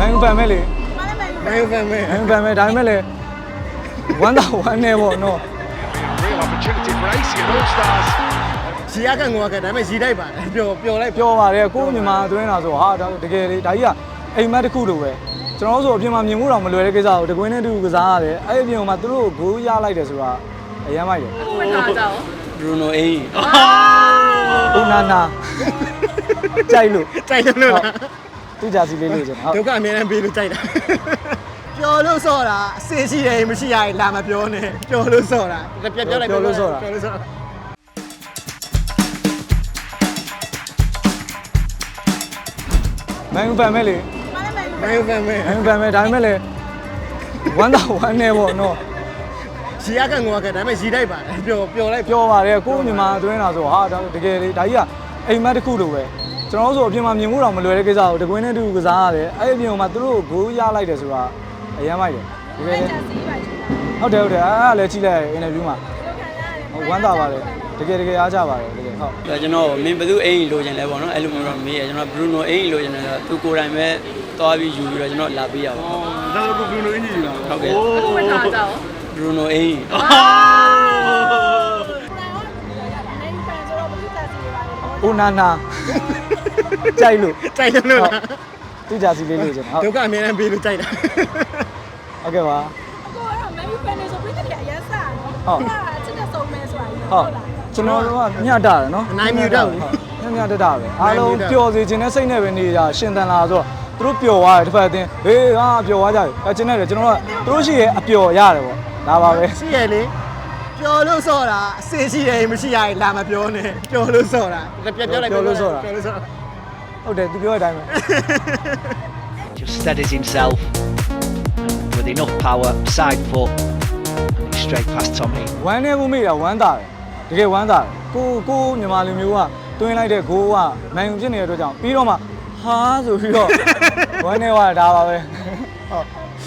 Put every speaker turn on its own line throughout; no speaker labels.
ယူဖန်မဲ့လေ
မန်ယူဖန်မဲ့
မန်ယူဖန်မဲ့ဒါပေမဲ့လေဝမ်းသာဝမ်းနေပေါ့နော်
Real opportunity for AC and All Stars.
ရီရကန်ငိုကဒါပေမဲ့ရီတိုက်ပါတယ်ပျော်လိုက်
ပြောပါတယ်ကို့မြန်မာအတွင်းလာဆိုဟာဒါတကယ်လေဒါကြီးကအိမ်မက်တစ်ခုလိုပဲကျွန်တော်တို့ဆိုအပြင်မှာမြင်မှုတော့မလွယ်တဲ့ကိစ္စကိုတကွင်းနဲ့တူကစားရတယ်အဲ့အပြင်မှာသူတို့ကိုဂိုးရလိုက်တယ်ဆိုတာအယမ်းမိုက်တယ်
ဝတ်ထားကြအောင်
Bruno A
ဦးနာနာကြိုက်လို့
လို့လား
သူကြာစီလေးလို့ကျွန်တော်
ဒုက္ခအများနဲ့ပေးလို့ကြိုက်တာပျော်လို့ဆော့တာအစစ်ရှိတယ်မရှိရရင်လာမပြောနဲ့ပျော်လို့ဆော့တာပြောလိုက်ပျော်လို့ဆော့တာ
မန်ယူဖန်မဲ့လေ
မန်ယူဖန်မဲ့
မန်ယူဖန်မဲ့ဒါပေမဲ့လေဝမ်းသာဝမ်းနေပေါ့နော်
ရီရကန်ငိုကဒါပေမဲ့ရီတိုက်ပါတယ်ပျော်လိုက်
ပြောပါတယ်ကို့မြန်မာအတွင်းလာဆိုဟာဒါတကယ်လေဒါကြီးကအိမ်မက်တစ်ခုလိုပဲကျွန်တော်တို့ဆိုအပြင်မှာမြင်မှုတော့မလွယ်တဲ့ကိစ္စကိုတကွင်းနဲ့တူကစားရတယ်အဲ့အပြင်မှာသူတို့ကိုဂိုးရလိုက်တယ်ဆိုတာအယမ်းမိုက်တယ်တကယ်လေဟုတ်တယ်အဲ့လည်းကြည့်လိုက်အင်တာဗျူးမှာဝမ်းသာပါတယ်တကယ်အားကြပါတယ်တကယ်ဟုတ်
ကျွန်တော်မင်းဘယ်သူအိမ်လိုချင်လဲပေါ့နော်အဲ့လိုမျိုးတော့မေးရကျွန်တော် Bruno အိမ်လိုချင်တယ်ဆိုတော့သူကိုယ်တိုင်ပဲသွားပြီးယူပြီးတော့ကျွန်တော်လာပေးရပါဘူး
ဒါဆို Bruno အင်ဂျီလာ
ဟုတ်ကဲ့
ဝတ်ထားကြအောင်
Bruno အိမ်
ဦးနာနာကြိုက်လို့
လို့လား
သူကြာစီလေးလို့ကျွန်တော်
ဒုက္ခအများနဲ့ပေးလို့ကြိုက်တာ
ဟုတ်ကဲ့ပါ
ကိုကတော့မန်ယူဖန်နေဆိုပြည့်တည်းအရင်စားနော်
ဟုတ်
ချစ်တဲ့ဆုံးမဲဆိုတာ
ဟုတ်ကျွန်တော်တို့ကမျှတာတယ်နော်
အနိုင်မြူတော့
မျှတတာပဲအားလုံးပျော်စေခြင်းနဲ့စိတ်နဲ့ပဲနေကြရှင်သန်လာဆိုတော့သူတို့ပျော်သွားတယ်တစ်ဖက်အတင်းဟေးဟာပျော်သွားကြတယ်အဲကျွန်တော်တို့ကသူတို့ရှိရဲ့အပျော်ရတယ်ပေါ့ဒါပါပဲ
ရှိရလေပျော်လို့ဆော့တာအစစ်ရှိတယ်မရှိရရင်လာမပြောနဲ့ပျော်လို့ဆော့တာပြောလိုက်
ဟုတ်တယ်သူပြောတဲ့အတိုင်းပဲ
Just steadies himself with enough power, side foot, and he's straight past Tommy.
ဝမ်းနေမှုမိတာဝမ်းသာတယ်တကယ်ဝမ်းသာတယ်ကိုမြန်မာလူမျိုးကတွင်းလိုက်တဲ့ဂိုးကမန်ယူဖြစ်နေတဲ့အတွက်ကြောင့်ပြီးတော့မှဟာဆိုပြီးတော့ဝမ်းနေသွားတာပါပဲဟုတ်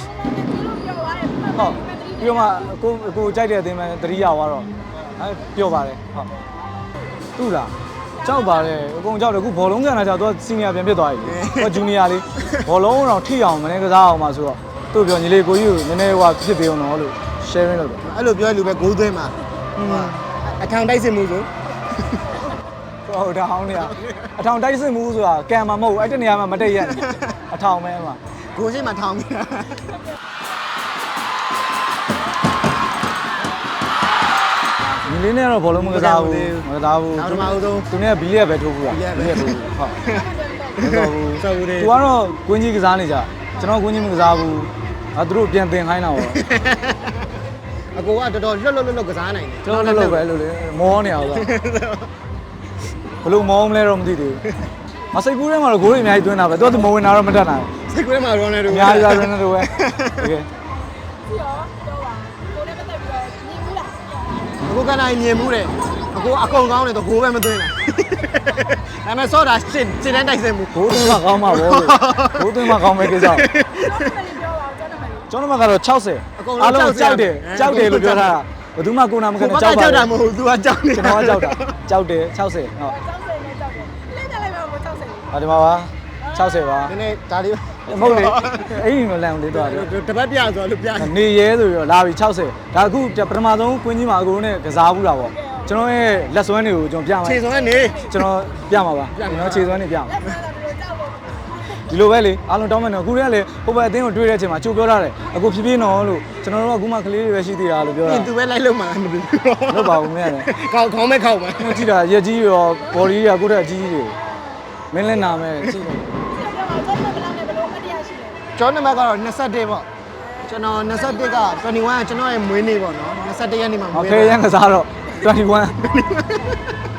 ဟုတ်ပြီးတော့မှကိုကြိုက်တဲ့အသင်းမှသတိရသွားတော့အဲပြောပါတယ်ဟုတ်သူ့လားကြောက်ပါတယ်အကုန်ကြောက်တယ်အခုဘောလုံးကန်တာကြောက်သူကစီနီယာပြန်ဖြစ်သွားပြီသူကဂျူနီယာလေးဘောလုံးတော့ထိအောင်မနေကစားအောင်ပါဆိုတော့သူ့ပြောညီလေးကိုကြီးကိုနည်းနည်းဟိုဖြစ်ပေးအောင်တော့လို့ sharing လုပ်တယ်
အဲ့လိုပြောလူပဲဂိုးသွင်းမှာအထောင်တိုက်စစ်မှုဆို
ဟုတ်ဒါဟောင်းနေရအထောင်တိုက်စစ်မှုဆိုတာကံမှာမဟုတ်ဘူးအဲ့တနေရာမှာမတိတ်ရက်အထောင်ပဲမှာ
ဂိုးရှိမှထောင်နေတာ
ညီလေးနဲ့တော့ဘောလုံးမကစားဘူးမကစားဘူး
နောက်တစ်မအောင်ဆုံး
သူနဲ့ဘီလီယက်ပဲထိုးဘူးလား
ဘီလီယက်ပဲ
ထိုးဘူးဟုတ်မတော်ဘူး
ဆောက်ဘူးလေ
သူကတော့ကွင်းကြီးကစားနေကြကျွန်တော်ကွင်းကြီးမကစားဘူးအဲသူတို့ပြန်တင်ခိုင်းတာပေါ့
အကိုကတော်တော်လွတ်ကစားနိုင်တယ်
ကျွန်တော်လည်းပဲလို့လေမောနေအောင်ဆိုဘလို့မောမလဲတော့မသိသေးဘူးမစိတ်ကူးထဲမှာတော့ဂိုးတွေအများကြီးသွင်းတာပဲသူကသူမဝင်တာတော့မတတ်နိုင်
စိတ်ကူးထဲမှာရောနေတယ်
ဘူးအများကြီးပါရနေတော့ပဲတကယ်
ပြီးတော့တော့ပါကိုလည်းပတ်သက်ပြီးတော့ညီဘူးလား
အကိုကနိုင်မြင်မှုတယ်အကိုအကုန်ကောင်းတယ်တော့ဂိုးပဲမသွင်းတာဒါပေမဲ့ဆော့တာစစ်တန်းတိုက်စစ်မှု
ဂိုးသွင်းမှကောင်းမှာဗောလို့ဂိုးသွင်းမှကောင်းမယ်ကိစ္စ
တော့မလေးပြောပါဦးကျွန်တော်မလေး
ကျွန်တော်ကတော့60အားလုံးကြောက်တယ်လို့ပြောထားတာဘယ်သူမှကိုနာမခံနဲ့ကြောက်ပါ
ကြောက်တာမဟုတ်ဘူး तू ကကြောက်နေ
ကျွန်တော်ကကြောက်တယ်60ဟုတ်
60နဲ့ကြောက်တယ်လက်ကြလိုက်ပါဦး60
ဟာဒီမှာပါ60ပါ
နည်းနည်းဒါလေး
မဟုတ်လေအဲ့ဒီမလန်လေးတော့
တပတ်ပြဆိုလို့ပြ
နေရဲဆိုပြီးတော့လာပြီ60ဒါအခုပထမဆုံးကွင်းကြီးမှာအကုန်နဲ့ကစားဘူးတာပေါ့ကျွန်တော်ရဲ့လက်စွမ်းတွေကိုကျွန်တော်ပြမှာ
ခြေစုံကနေ
ကျွန်တော်ပြမှာပါကျွန်တော်ခြေစွမ်းတွေပြမှာ
လက်စားတာတို့ကြောက်ဖို့
ဒီလိုပဲလေအားလုံးတောင်းမှန်းတော့အခုတည်းကလေဟိုဘက်အသင်းကိုတွေ့တဲ့အချိန်မှာကြိုပြောထားတယ်အခုဖြည်းဖြည်းနော်လို့ကျွန်တော်တို့ကအခုမှကလေးတွေပဲရှိသေးတာလို့ပြောတာ
သူပဲလိုက်လို့မှမသိဘူး
လို့ပါဘူးမင်းရတယ်
ခေါင်းမဲ့ခေါက်မှာ
ကြည့်တာရက်ကြီးရောဘော်ဒီရောကိုယ့်တက်အကြီးကြီးတွေမင်းလည်းနာမယ်ကြည့်တယ်
ကျွန်တော်ကတော့ဘယ်လောက်နဲ့ဘယ်လိုမတရားရှိလဲ
ကျောင်းနံပါတ်ကတော့21ပေါ့ကျွန်တော်21က21ကကျွန်တော်ရဲ့မွေးနေ့ပေါ့နော်21ရက်နေ့မှာမွေး
ဖေးရန်ကစားတော့21